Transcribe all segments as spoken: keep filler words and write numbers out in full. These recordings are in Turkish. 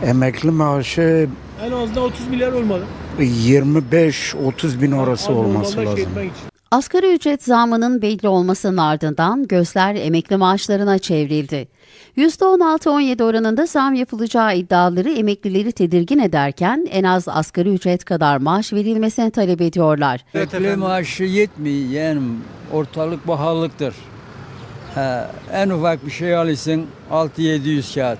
Emekli maaşı En azından otuz milyar olmalı. yirmi beş otuz bin orası Az olması normalde şey lazım. etmek için. Asgari ücret zammının belli olmasının ardından gözler emekli maaşlarına çevrildi. yüzde on altı on yedi oranında zam yapılacağı iddiaları emeklileri tedirgin ederken en az asgari ücret kadar maaş verilmesini talep ediyorlar. Emekli maaşı yetmiyor, yani ortalık pahalılıktır. Ha, en ufak bir şey alırsın altı yedi yüz kağıt.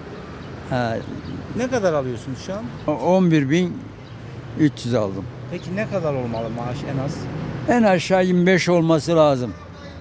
Ha, Ne kadar alıyorsunuz şu an? on bir bin üç yüz aldım. Peki ne kadar olmalı maaş en az? En aşağı yirmi beş olması lazım.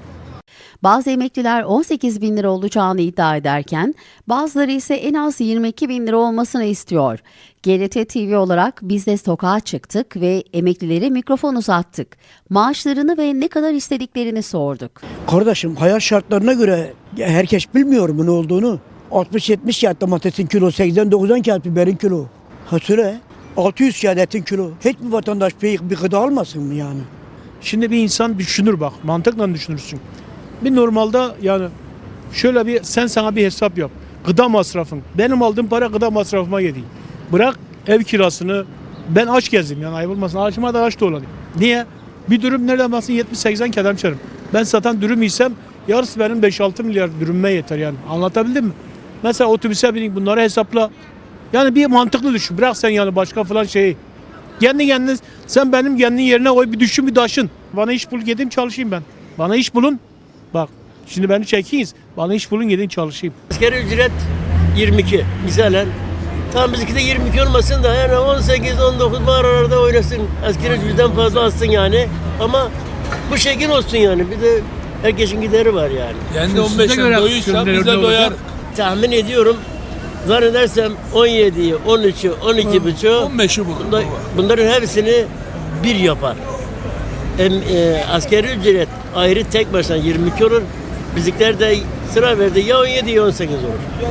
Bazı emekliler on sekiz bin lira olacağını iddia ederken bazıları ise en az yirmi iki bin lira olmasını istiyor. G R T T V olarak biz de sokağa çıktık ve emeklilere mikrofon uzattık. Maaşlarını ve ne kadar istediklerini sorduk. Kardeşim hayat şartlarına göre herkes bilmiyor mu ne olduğunu. altmış yetmiş kağıt domatesin kilo, seksen doksan kağıt biberin kilo. Ha söyle, altı yüz kağıt etin kilo. Hiçbir vatandaş bir, bir gıda almasın mı yani? Şimdi bir insan düşünür bak. Mantıkla düşünürsün. Bir normalde yani şöyle bir sen sana bir hesap yap. Gıda masrafın. Benim aldığım para gıda masrafıma yedi. Bırak ev kirasını. Ben aç gezdim yani ayıp olmasın. Açıma da aç da olayım. Niye? Bir dürüm nereden baksın yetmiş seksen kadar içerim. Ben satan dürüm isem yarısı benim beş altı milyar dürümme yeter yani. Anlatabildim mi? Mesela otobüse binin bunları hesapla. Yani bir mantıklı düşün. Bırak sen yani başka falan şeyi. Kendi kendine sen benim kendin yerine koy bir düşün bir taşın. Bana iş bul gideyim çalışayım ben. Bana iş bulun. Bak şimdi beni çekiniz. Bana iş bulun gidin çalışayım. Asgari ücret yirmi iki misalen. Tam bizimki de yirmi iki olmasın da yani on sekiz on dokuz bu aralarda oynasın. Asgari ücretten fazla alsın yani. Ama bu şekil olsun yani. Bir de herkesin gideri var yani. Kendi on beşe doyuysa bize doyar. Tahmin ediyorum zannedersem on yediyi, on üçü, on iki buçuğu on beşi bulur. bunda, bunların hepsini bir yapar. Em, e, asgari ücret ayrı tek başına yirmi iki olur. Bizimkiler de sıra verdi ya on yedi ya on sekiz olur.